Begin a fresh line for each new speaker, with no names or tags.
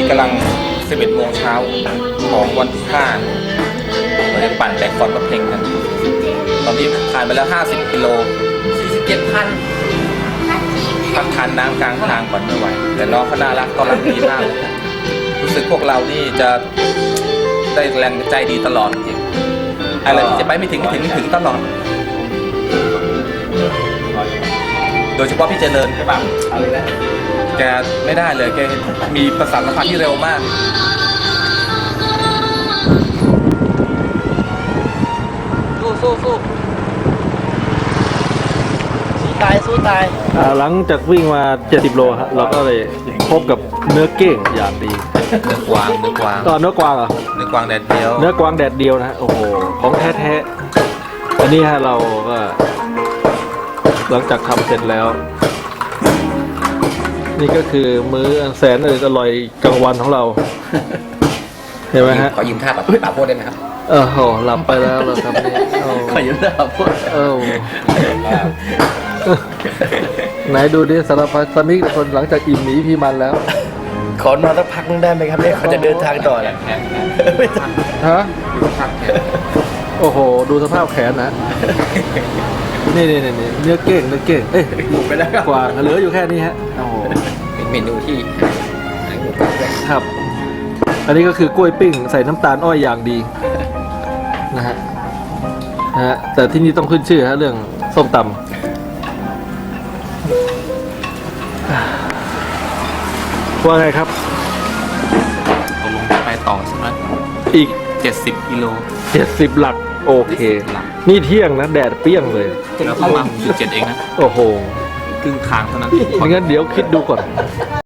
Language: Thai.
กำลัง 11 โมงเช้าของวันที่5เราจะปั่นแบกฟอนต์รถเพลงกันตอนนี้ผ่านไปแล้ว50 กิโล 47,000พักทานน้ำกลางทางก่อนไม่ไหวแต่น้องเขาน่ารักต้อนรับดีมากรู้สึกพวกเรานี่จะได้แรงใจดีตลอดจริงอะไรที่จะไปไม่ถึงตลอดโดยเฉพาะพี่เจริญใช่ป่ะแกไม่ได้เลยแกมีประสาทสัมผัสที่เร็วมากสู้สู้ตาย
หลังจากวิ่งมา70 โลฮะเราก็เลยพบกับเนื้อเก้งอย่างดี
เนื้อกวาง
เนื้อกวางเหรอ
เนื้อกวางแดดเดียว
เนื้อกวางแดดเดียวนะโอ้โหของแท้ๆอันนี้ฮะเราก็หลังจากทำเสร็จแล้วนี่ก็คือมื้ออันแสนอร่อยกลางวันของเราเห็นไหมฮะ
ขอยืมท่าแบบป่าโพดได้ไหมครับ
โหหลับไปแล้วเราทำนี่
ขอยืมท่าป่าโพด
ไหนดูดิสารพัดสมิกคนหลังจากอิ่มหนีพี่มันแล้ว
ขอนอนสักพักนึงได้ไหมครับเนี่ยเขาจะเดินทางต่อเนี่ย
ฮะโอ้โหดูสภาพแขนนะนี่เนื้อเก้งเอ้ย
หมดไปแล้ว
กว่าเหลืออยู่แค่นี้ฮะโอ้โห
เป็นเมนูที่
ครับอันนี้ก็คือกล้วยปิ้งใส่น้ำตาลอ้อยอย่างดีนะฮะแต่ที่นี่ต้องขึ้นชื่อฮะเรื่องส้มตำว่าไงครับ
ตกลงไปต่อใช่ไหม
อีก
70 กิโล
70 หลักโอเคนี่เที่ยงนะแดดเปรี้ยงเลย
แล้วประมาณ 6.7 เองนะ
โอ้โห
ครึ่งทางเท่านั้น
งั้นเดี๋ยวคิดดูก่อน